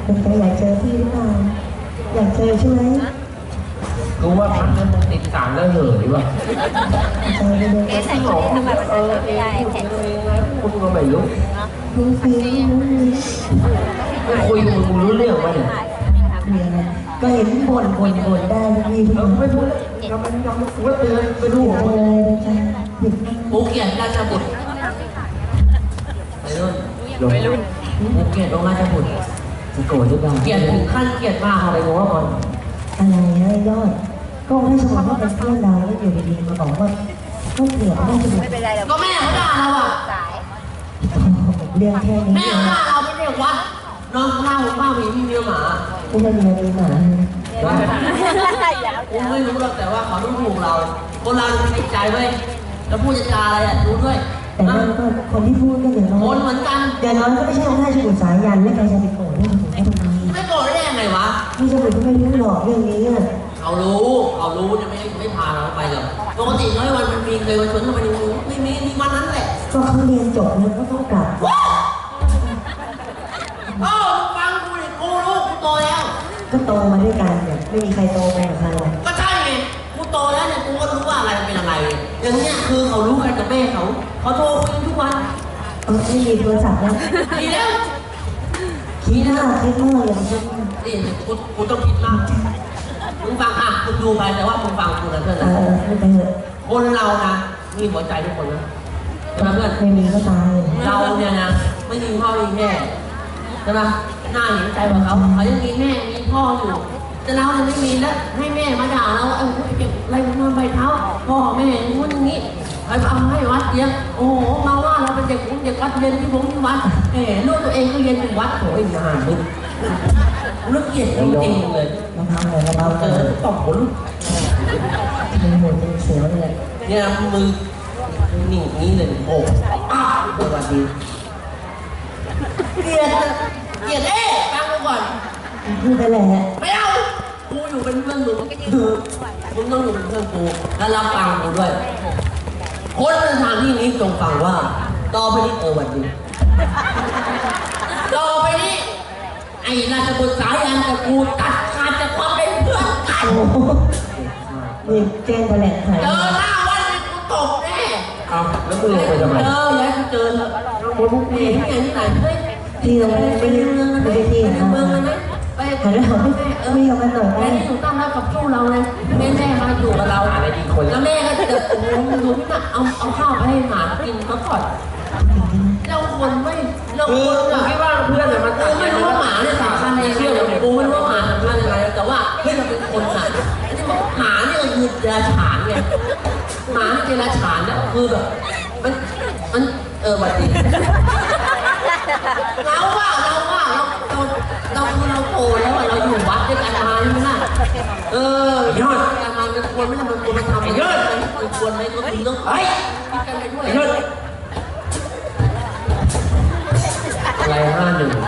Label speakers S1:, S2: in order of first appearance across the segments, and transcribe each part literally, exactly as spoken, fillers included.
S1: เป็นใครอยากเจอพี่หรือเปล่าอยากเจอใช่ไหม
S2: รู้ว่าพักนั้นมึงติดสารแล้วเหรอหรือวะ
S1: ใจไปเลย
S3: เอ๊ะใส่ชุดทำไมมันจะไม่ได้แขน
S2: คุณก็ไม่รู้
S1: รู้ฟิล
S2: ไม่คุยมึงรู้เรื่องไหมเนี่ย
S1: มีอะไรก็เห็นบ่นบ่นบ่นได้พี่พี่
S2: ไม่พูดเราเป็นยอมว่าเตือนไปดู
S1: อะไรนะจ๊ะ
S2: ภูเก็ตราชบุตรไปรุ่นภูเก็ตตรงราชบุตรจะโกรธหรือเปล่าเกลียดถึงขั้นเกลียดมากอะไรงงว่าบอล
S1: อะไรนะยอดก็ให้สมมติว่าเป็นเพื่อนเราแล้วอยู่ดีๆมาบอกว่าก็เกลียดไม่จะ
S3: ไม่เป็นไร
S2: ก็แม่เขาด่าเราอ่ะ
S1: เรื่องแค่นี้
S2: แม่เขาด่าเราไม่เรียกวัดน้องข้าวข้าวมีพี่เมียหมา
S1: ไม่ใช่เมียมีหมา
S2: ผมไม่รู้หรอกแต่ว่าเขาต้องถูกเราคนเราใช้ใจไว้แล้วพูดจาอะไรอ่ะรู้ด้วย
S1: แต่นั่นก็คนที่พูดก็อย่างน้อย
S2: คนเหมือนกัน
S1: อย่างน้อยก็ไม่ใช่องค์ราชบุตรสายันและใครจะไปโกรธเรื่องของเขาตรงนี้
S2: ไม่โกรธได้ยังไงวะ
S1: พี่สมุทรก็ไม่รู้หรอกเรื่องนี้อ่ะ
S2: เขารู้เขารู้จะไม่ไม่พาเราไปหรอกปกติน้อยวันมันมีเคยมาชวนเข้าไปในมือไม่มีมีวันนั้นแหละ
S1: ก็เขาเรียนจบแล้วก็ต้องกลับ
S2: โอ้ฟังกูดิกูรู้กูโตแล้ว
S1: ก็โตมาด้วยกันเนี่ยไม่มีใครโตไปกับใคร
S2: ก็ใช่ไงกูโตแล้วเนี่ยกูก็รู้ว่าอะไรเป็นอะไรอย่างเนี้ยคือเขารู้กันกับแม่เขาเขาโทรคุยทุกวัน
S1: เออไม่มีโทรศัพท์แล้ว
S2: ดีแล้ว
S1: คิดมากคิดมากอย่างนี้
S2: นี่กูกูต้องคิดมากมึงฟังอ่ะมึงดูไปแต่ว่ามึงฟังกูนะเพื่อนนะ
S1: เออไม่ไปเถอะ
S2: คนเรานะมีหัวใจทุกคนนะใช่ไหมเพื่อน
S1: ไม่มีก็ตาย
S2: เราเนี่ยนะไม่มีพ่อมีแม่ใช่ไหมหน้าเห็นใจของเขาเขายังมีแม่มีพ่ออยู่แต่เราเนี่ยไม่มีแล้วให้แม่มาด่าเราเออเก็บอะไรมาใบเท้าพ่อแม่งู้นอย่างนี้ไปเอาให้วัดเดียวโอ้โหมาว่าเราเป็นเด็กเด็กวัดเรียนที่ผมที่วัดเอ๋ลูกตัวเองก็เรียนอยู่วัดโอ้ยนานมึงนึกเกลียดจริงๆเลย
S1: มาทำเลยมา
S2: เจอตบหัวลูก
S1: มีหัวเป็นเสียวเลย
S2: เนี่ยมือนี่นี้เลยโอ้อ้าวสวัสดีเกลียดเกลียดเอ๊ะฟังกูก่อน
S1: พูดไปแหละ
S2: ไม่เอากูอยู่เป็นเพื่อนมึงมึงต้องอยู่เป็นเพื่อนกูและรับฟังกูด้วยคนในทางที่นี้จงฟังว่าต่อไปนี้เออวันดีต่อไปนี้ไอ้ราชบุตรสายันกับกูตัดขาดจากความเป็นเพื่อนกัน
S1: นี่แจ้งแถลงไข
S2: เจอหน้าวันนี้กูตบแน่
S1: เอาแล้วมึงไปทำไม
S2: เออแล้วกูเจอแล้วกูพวกกูเห็นที่ไหนที่ไหนเฮ้ย
S1: ที่เราไม่ได้ไม่ได้ไม่ได้ที่
S2: เมืองเลยไหมไป
S1: หันแล้วไม่เออไม่ยอมมาหน่อย
S2: แม่ที่อยู่ตั้งรับกับสู้เราเลยแม่แม่มาอยู่กับเราอะไรดีคนแล้วแม่ก็จะโอ้โหดูที่น่ะเอาเอาข้าวไปให้หมากินเขาก่อนเราคนไม่เราคนอะคิดว่าเพื่อนอะมันกูไม่รู้ว่าหมาเนี่ยสำคัญในเชื่อเลยกูไม่รู้ว่าหมาสำคัญอะไรแต่ว่าเฮ้ยเราเป็นคนอะหมาเนี่ยคือเดรัจฉานไงหมาเดรัจฉานเนี่ยคือแบบมันมันเออวันดีเราว่าเราว่าเราเราเราคือเราโตแล้วอะเราอยู่วัดด้วยกันมาใช่ไหมล่ะเออยอดการมาเป็นควรไม่ทำเป็นควรไม่ทำเยอะเป็นควรไหมก็คือต้องเฮ้ยคิดกันไปด้วยเยอะอะไรห้าหนึ่ง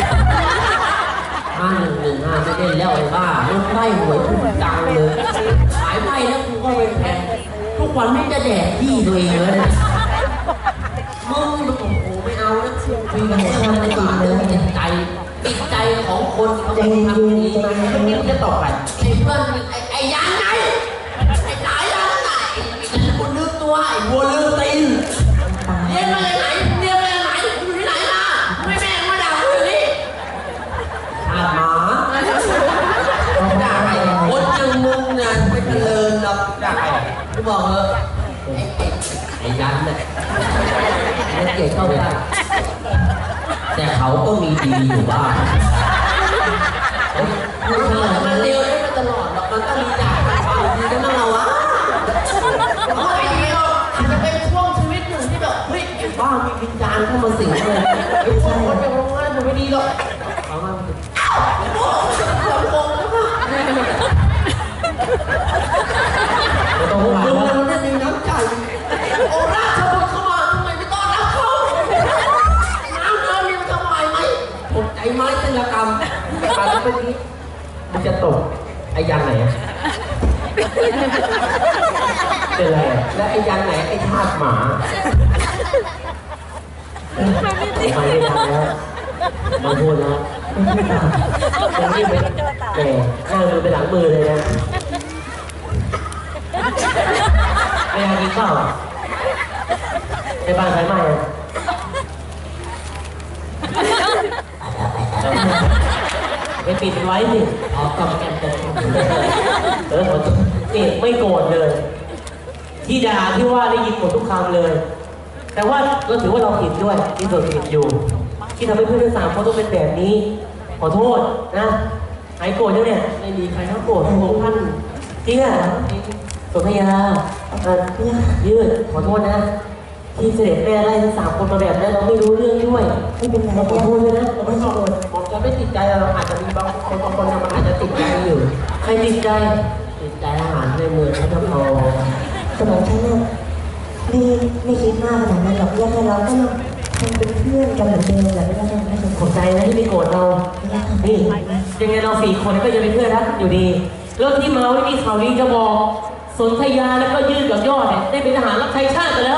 S2: ห้าหนึ่งหนึ่งห้าไม่ได้แล้วไอ้บ้าลูกไพ่หวยถูกจังเลยขายไพ่แล้วกูก็เป็นแพงทุกวันไม่จะแดกที่ตัวเองเลยมึงโอ้โหไม่เอานะคุยกันหมดแล้วไม่ดีเลยติดใจติดใจของคนเขาทำนี้มันนี่จะตอบไปไอ้เพื่อนไอ้ไอ้ยันไหนไอ้สายยันไหนไอ้ยันคนลืมตัวไอ้บัวลืมตีนเรียนมาจากไหนเรียนมาจากไหนอยู่ที่ไหนล่ะไม่แม่มาด่ากูอย่างนี้ชาหมาด่าใครคนอย่างมึงเนี่ยไม่เจริญหรอกด่าใครกูบอกเถอะไอ้ยันเนี่ยมันเกลียดเข้าไปแต่เขาก็มีดีอยู่บ้างมันเร็วได้มาตลอดหรอกมันต้องมีด่าดีกันบ้างเราวะเพราะไอ้เดียวอาจจะเป็นช่วงชีวิตหนึ่งที่แบบเฮ้ยไอ้บ้ามีวิญญาณเข้ามาสิงเลยไอ้พวกคนจะลงงานมันไม่ดีหรอกเขามาอ้าวไอ้พวกเราโกงแล้วป่ะต้องหวานนะมันได้มีน้ำใจโอ้ราชบุตรเข้ามาทำไมไม่ต้อนรับเขาน้ำเดินนี่มันจะไหวไหมตกใจไม้ศิลปกรรมการเมื่อกี้มันจะตกไอ้ยันไหนเป็นไรและไอ้ยันไหนไอ้ทาสหมาไม่ได้ทำแล้วมาพูดแล้ว
S1: เป็นที่ต่าง
S2: เป็นที่เป็นแหมหน้ามือไปหลังมือเลยนะไม่อยากกินข้าวในบ้านใครไม่อะไปปิดไว้สิออกกำแกมกันเออผมนี่ไม่โกรธเลย ที่ด่าที่ว่าได้ยินหมดทุกคำเลย แต่ว่าเราถือว่าเราผิดด้วยที่ส่วนผิดอยู่ ที่ทำให้เพื่อนทั้งสามคนต้องเป็นแบบนี้ ขอโทษนะหายโกรธแล้วเนี่ยไม่มีใครทั้งโกรธทั้งท่านจริงอ่ะสนธยาเออยืดขอโทษนะ ที่เสด็จแม่ไล่ทั้งสามคนมาแบบนั้นเราไม่รู้เรื่องด้วย
S1: ไม่เป็นไร
S2: เราขอโทษด้วยนะ
S1: เราไม่โกรธ
S2: ผมจะไม่ติดใจเราอาจจะมีบางคนบางคนมันอาจจะติดใจอยู่ใครติดใจติดใจอาหารในเมืองเขาทำเอา
S1: สมองฉันเนี่ยไม่ไม่คิดมากขนาดนั้นหรอกยังไงเราก็ยังคงเป็นเพื่อนกันเหมือนเดิมแหละไม่ต้องไม่ต้อง
S2: ขอบใจนะที่ไม่โกรธเรา นี่ยังไงเราสี่คนก็ยังเป็นเพื่อนรักอยู่ดีแล้วที่มาไม่มีข่าวดีจะบอกสนธยาแล้วก็ยืดกับยอดเนี่ยได้เป็นทหารรับใช้ชาติไปแล้ว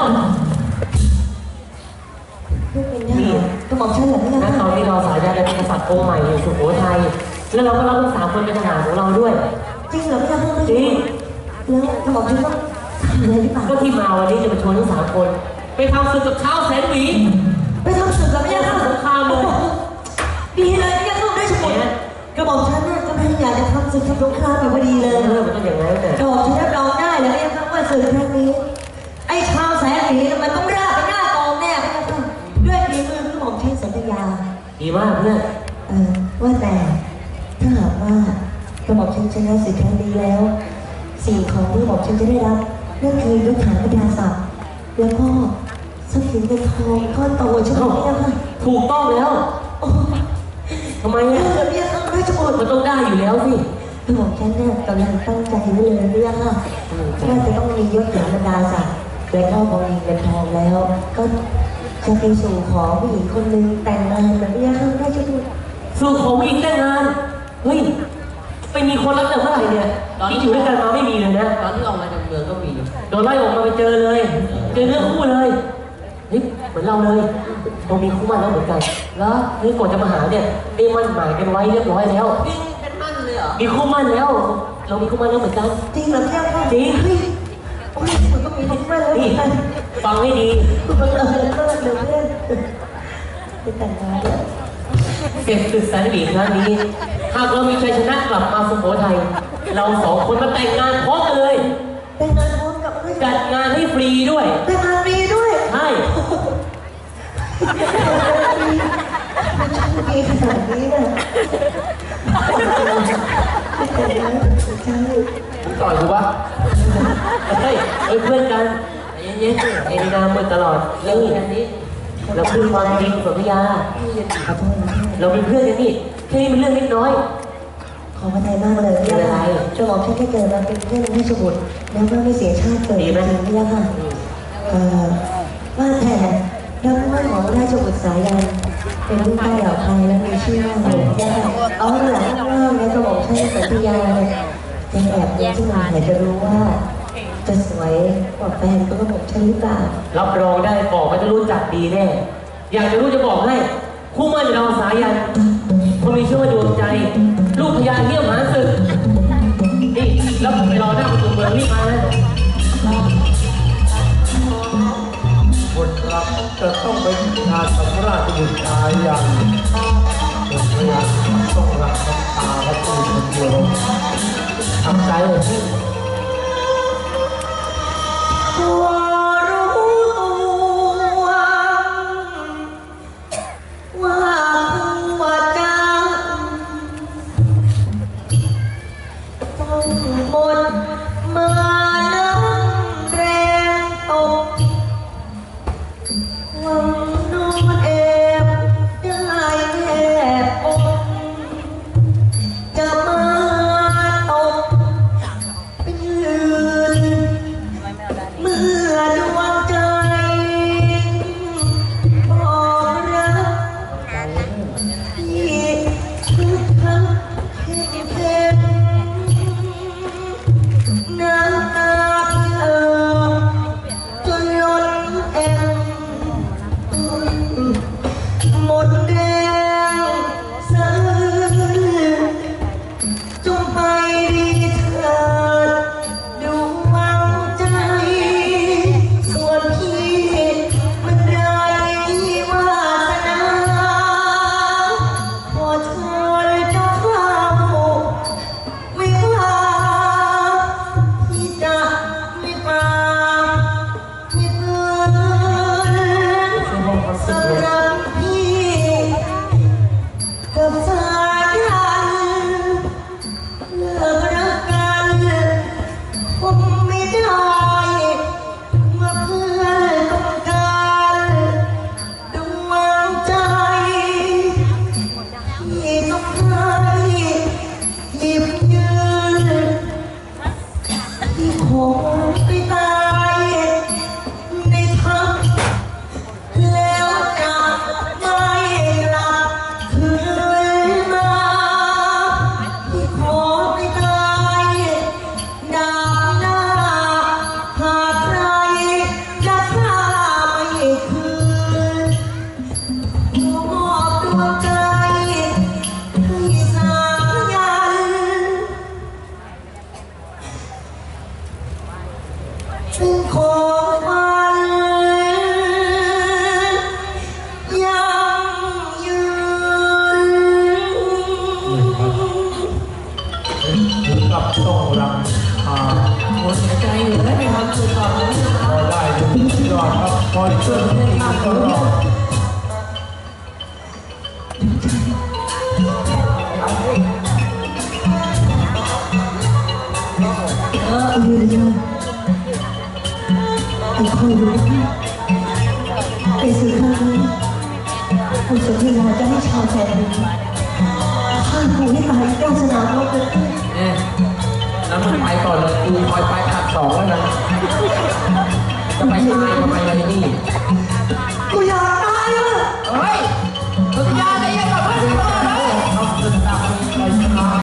S1: ไม่เป็นได้สมองฉันเหรอไม่
S2: นั
S1: ได้
S2: กตอนที่เราสายยาเป็นกษัตริย์องค์ใหม่อยู่สุโขทัยแล้วเราก็รับทั้งสามคนเป็นทหารของเราด้วย
S1: จริงเหรอไม่ได้ไม่
S2: จริง
S1: แล้วสมองฉันต้องทำอะไรหรือเปล่า
S2: ก็ที่มาวันนี้จะมาชวนทั้งสามคน ไปทำศึกกับเช้าแสนหวี
S1: ไปทำศึกกับ
S2: ไม่
S1: ไม่
S2: ใช่
S1: ได้
S2: ทำสงครามเลย
S1: ดีเลยไม่ได้เข้าได้สมุนกระบอกฉันเนี่ยก็พยายามจะทำศึกทำสงครามอยู่พอดีเลย
S2: เออมันต้องอย่างนั้นแต่
S1: กระบอกฉันรับรองได้เลยไม่ต้องว่าศึกครั้งนี้ไอ้ชาวแสนสีมันต้องราบไปหน้ากองแน่ไม่ต้องด้วยฝีมือกระบอกฉันสัญญา
S2: ดีมากเพื่อน
S1: เออว่าแต่ถ้าหากว่ากระบอกฉันชนะศึกครั้งนี้แล้วสิ่งของที่กระบอกฉันจะได้รับนั่นคือยศฐานพญาศักดิ์แล้วก็ทรัพย์สินเงินทองก้อนโตใช่ไหมเนี่ยค่ะ
S2: ถูกต้องแล้ว
S1: โอ้
S2: ทำไม
S1: ย
S2: อ่ะ
S1: เนี่ยต้องราชบุตร
S2: มันต้องได้อยู่แล้วสิ
S1: กระบอกฉันเนี่ยกำลังตั้งใจไว้เลยเนี่ยค่ะน่าจะต้องมียศฐานบรรดาศักดิ์และก็บริเงินทองแล้ว ก็จะไปสู่ขอผู้หญิงคนหนึ่งแต่งงานแบบนี้ค่ะราชบุตร
S2: สู่ของผู้หญิงแต่งงานเฮ้ยไปมีคนรักแต่เมื่อไหร่เนี่ยที่อยู่ด้วยกันมาไม่มีเลยนะ
S4: ตอนที่ออกมาจากเมืองก็มี
S2: โดนไล่ออกมาไปเจอเลยเจอเรื่องคู่เลยเฮ้ยเหมือนเราเลยเรามีคู่มั่นแล้วเหมือนกันแล้วนี่ก่อนจะมาหาเนี่ยได้มั่นหมายกันไว้เรียบร้อยแล้ว
S4: นี่เป็นมั่นเลยเหรอ
S2: มีคู่มั่นแล้ว เรามีคู่มั่นแล้วเหมือนกัน
S1: จริงเหรอเนี่ยค่ะ
S2: จริง
S1: เฮ้ยโอ้ยมันก็มีคนมาแล้วเหมื
S2: นี่
S1: อนกัน
S2: ฟังให้ดี
S1: คุณบังเอิญมากเลยเพื่อนไปแต่งงานเนี่ย
S2: เสร็จศึกสันติครั้งนี้หากเรามีชัยชนะกลับมาสุโขทัยเราสองคนมาแต่งงานพร้อมกันเลย
S1: แต่งงานพร้อมกับเพื่อน
S2: จัดงานให้ฟรีด้วย
S1: แต่งงานฟรีด้วย
S2: ใช่
S1: มันช่างดีขนาดนี้นะแต่งงานใช่
S2: ต่อยถูกปะเฮ้ยเฮ้ยเพื่อนกันใจเย็นๆเอ็นนามมือตลอดเรื่องอันนี้เราคือความจริงสัญญา
S1: ขอโทษนะ
S2: เราเป็นเพื่อนกันนี่แค่นี้เป็นเรื่องเล็กน้อย
S1: ขอพระทัยมากเลยพี่ค่ะจะบอกฉันได้เกิดมาเป็นเพื่อนราชบุตรแล้วก็ไม่เสียชาติเกิดจริงๆพี่ค่ะเอ่อว่าแต่ดังมั่นของราชบุตรสายันเป็นลูกใต้เหล่าไทยและมีชื่อว่าอะไรพี่ค่ะเอาหลังเริ่มแล้วจะบอกฉันสัญญาเนี่ยยังแอบยิ้มขึ้นมาอยากจะรู้ว่า จะสวยกว่าแฟนก็บอกฉันหรือเปล่า
S2: รับรองได้บอกว่าจะรู้จักดีแน่ อยากจะรู้จะบอกให้ คู่มั่นเราสายันคนมีชื่อว่าดวงใจ ลูกพญาเหี้ยมหาศึกนี่แล้วไปรอหน้าประตูเมืองรีบมานะ
S5: คนรักจะต้องไปงานสำราญบุตรชายอย่างเป็นพยานต้องรักน้ำตาและตื่นคนเดียวทำใจเลยที่
S1: ตัวรู้ตัวว่าหัวใจต้องหมดมาน้ำแรงตกหวังนอนแอบได้แอบอกจะมาตกงไปตายในทัพแล้วจะไม่หลับคืนมาที่ขอไปตายดาบหน้าหากใครจะฆ่าไม่คืนมอบดวงใจให้สายันเป็นของมันยังยืน
S5: ถึงกับต้องรังคา
S2: หมดใจอยู่แล้วไม่ทำตัวต่อเลย
S5: พอได้ถึงยอดครับคอยช่วยให้ดีตลอด
S1: เออยืนยอไอ้คอยดูไอ้สื่อข้างนี้ผู้สนทนาจะให้ชาวแสนดีข้าผูให้ตายเจ้าสนามรบกัน
S2: เนี่ยแล้วมึงไปก่อนเลยกูคอยไปขัดสองแล้วนะจะไปตายทำไมอะไรนี่